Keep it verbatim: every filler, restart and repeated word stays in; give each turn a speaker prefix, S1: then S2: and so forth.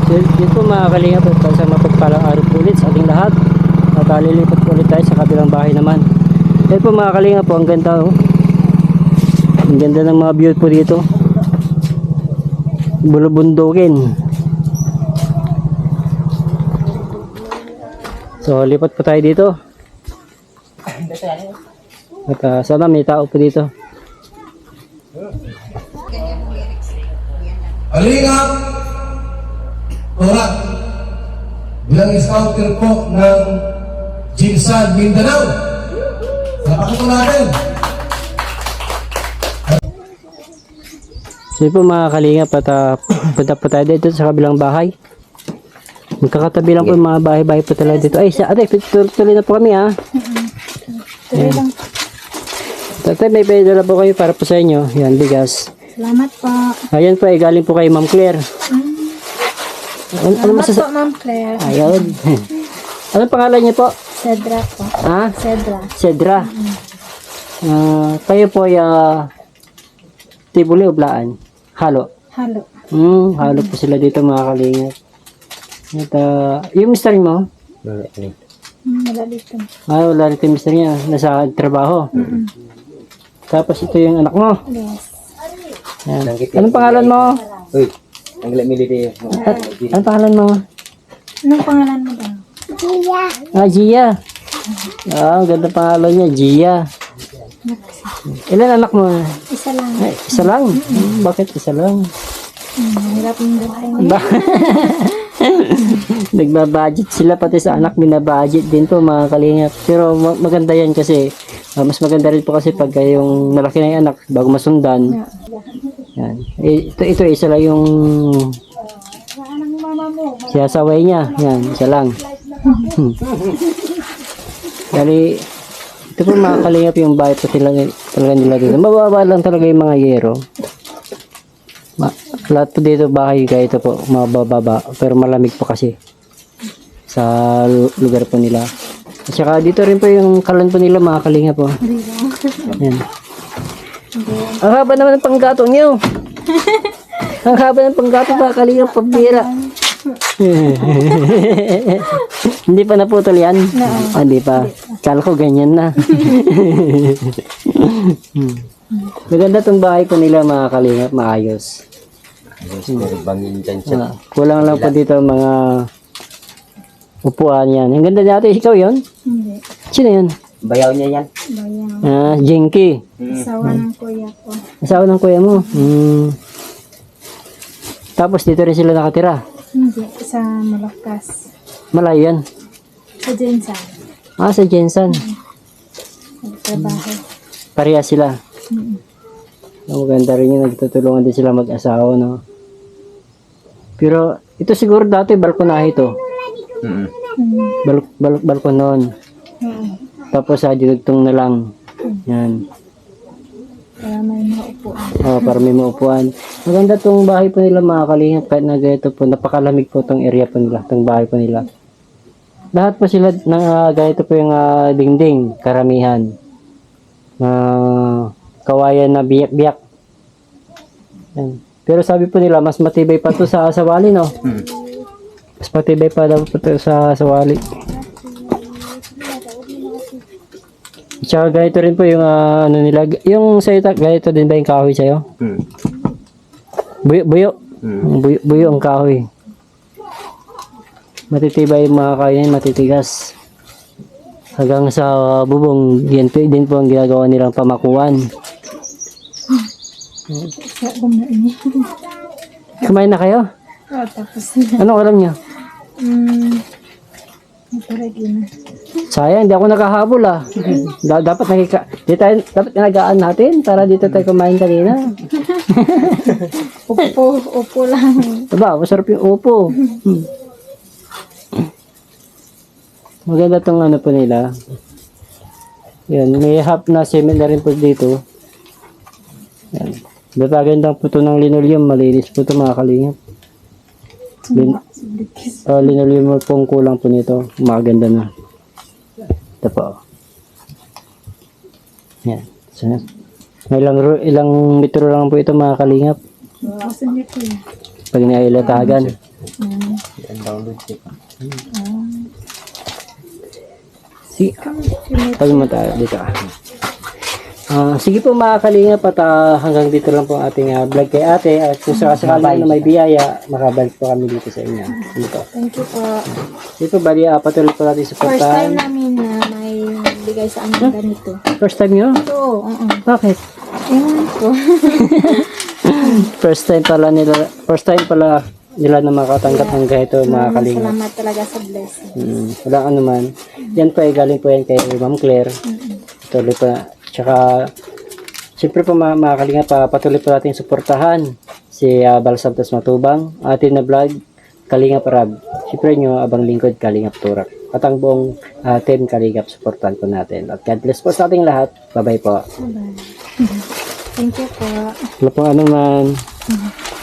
S1: Yun, yun po mga kalingap, at sa mapagpalang araw po ulit sa ating lahat. At uh, lilipat po ulit tayo sa kabilang bahay naman. Yun po mga kalingap po, ang ganda oh. Ang ganda ng mga view po dito. Bulubundukin. So lipat po tayo dito. At uh, sana may tao po dito.
S2: Kalingap Torat bilang scouter po ng Jinsan Mindanao. Salamat po natin.
S1: So po mga kalingap, at uh, punta po tayo dito sa kabilang bahay. Magkakatabi lang po yung mga bahay-bahay po talaga dito. Ay, sa ate, tuloy na po kami ha.
S3: Tuloy lang.
S1: Tatay, may pedala po kayo para po sa inyo. Yan, bigas.
S3: Salamat po.
S1: Ayan po, ay galing po kay Ma'am Claire.
S3: Mm.
S1: Ano, ano
S3: Salamat
S1: masasa...
S3: po, Ma'am Claire.
S1: Ayun. Anong pangalan niyo po?
S3: Cedra po.
S1: Ha?
S3: Cedra.
S1: Cedra. Ah, kayo po ay uh, tibuli o blaan? Halo.
S3: Halo.
S1: Hmm, halo po sila dito mga kalingap. At uh, yung mister mo?
S3: Mm, wala dito.
S1: Ah, wala rin yung mister niya. Nasa trabaho.
S3: Mm-mm.
S1: Tapos ito yung anak mo.
S3: Yes.
S1: Yan. Anong pangalan mo?
S4: Uy, ang military.
S1: At, anong pangalan mo?
S3: Anong pangalan mo daw?
S1: Ah, Gia. Ah, ang ganda pangalan niya, Gia. Ilan anak mo?
S3: Isa lang.
S1: Ay, isa lang. Hmm, bakit isa lang?
S3: Mm, hirap yung buhay ngayon.
S1: Ba Nagbabudget sila, pati sa anak binabudget din po mga kalingap. Pero ma- maganda yan kasi uh, mas maganda rin po kasi pag yung malaki na yung anak bago masundan. Yan. Eh, ito, ito isa lang yung siyasaway niya. Yan, isa lang. Kali ito po mga kalingap yung bahay po sila, talaga nila dito. Mababa lang talaga yung mga yero. Ma lahat po dito bahay kaya ito po mabababa, pero malamig po kasi sa lugar po nila. At saka dito rin po yung kalan po nila mga kalingap po. Yan. Ang haba naman ng panggatong niyo. Ang haba ng panggatong mga kalingap, pabira. Hindi pa naputol yan? Ah, hindi pa. Kala ko ganyan na. Hmm. Maganda tong bahay po nila mga kalingap, maayos.
S4: Bangin dyan siya.
S1: Ah, kulang lang po dito mga upuan yan. Ang ganda natin, ikaw yon?
S3: Hindi.
S1: Sino yun?
S4: Bayaw niya yan.
S3: Bayang.
S1: Ah, Jinky.
S3: Asawa ng kuya ko.
S1: Asawa ng kuya mo. Hmm. Tapos dito rin sila nakatira.
S3: Hindi. Sa Malakas.
S1: Malayo yan.
S3: Sa Jensan.
S1: Ah, sa Jensan.
S3: Nagtrabaho.
S1: Pareha sila.
S3: Mm.
S1: Ang maganda rin yun, nagtutulungan din sila mag-asawa, no? Pero, ito siguro dati, balkonahe ito.
S4: Mm.
S3: Mm.
S1: Bal bal balkon noon.
S3: Oo.
S1: Tapos, sa dinugtong na lang. Yan.
S3: Para may maupuan.
S1: Oh, para may maupuan. Maganda tong bahay po nila mga kalingap, kahit na ganito po, napakalamig po tong area po nila, tong bahay po nila. Lahat po sila, ng, uh, ganito po yung uh, dingding, karamihan. Uh, kawayan na biyak-biyak. Yan. Pero sabi po nila, mas matibay pa to sa sawali, no?
S4: Mm.
S1: Mas matibay pa daw po to sa sawali. Tsaka ganito rin po yung uh, ano nila, yung sa'yo, ganito din ba yung kahoy sa'yo?
S4: Mm.
S1: Buyo, buyo.
S4: Mm.
S1: Buyo, buyo ang kahoy. Matitibay yung mga kahoy na yun, matitigas. Hanggang sa bubong, yan po, din po ang ginagawa nilang pamakuan.
S3: Sa kumain.
S1: Kumain na kayo?
S3: Oo, tapos na.
S1: Anong alam niyo?
S3: Mm. Naparagi na.
S1: Sayang, hindi ako nakahabol ah. Da- dapat nakika... Di tayo, dapat nagaan natin para dito tayo kumain kanina.
S3: Upo, upo lang.
S1: Diba, masarap yung upo. Hmm. Maganda tong ano po nila. Yan, may half na cement na rin po dito. Yan. Batagandang po ito ng linoleum. Malinis po ito mga kalingap. Lin uh, linoleum po ang kulang po nito. Maganda na. Ito po. Yan. So, ilang, ilang metro lang po ito mga kalingap.
S3: Asan niya po yun?
S1: Pag nailatagan.
S3: Mm.
S4: Yan download siya.
S3: Ah.
S1: Si,
S3: Sunod.
S1: tabi mo tayo dito. Ah, sige po mga kalingap at ah, hanggang dito lang po ang ating ah, vlog kay ate at kung sakasakali na may biyaya makabalik po kami dito sa inyo. Dito.
S3: Thank you po.
S1: Dito bali ah, patuloy po natin sa
S3: First time
S1: portal.
S3: namin na may bigay sa amin ganito.
S1: First time nyo?
S3: Ito, oo.
S1: Bakit?
S3: Ewan ko.
S1: First time pala nila, first time pala nila na makatanggap ng ganito mga kalingap.
S3: Salamat talaga sa blessing.
S1: Mm, wala ka naman. Yan po ay galing po yan kay Ma'am Claire. Patuloy pa. Tsaka, siyempre po mga, mga kalingap, pa, patuloy po natin suportahan si uh, Bal Santos Matubang, atin na vlog, Kalingap Rab. Siyempre nyo, abang lingkod, Kalingap Turak. At ang buong uh, team Kalingap, supportan po natin. At God bless po sa ating lahat. Bye-bye po.
S3: Bye-bye. Thank you po.
S1: Wala po ano man.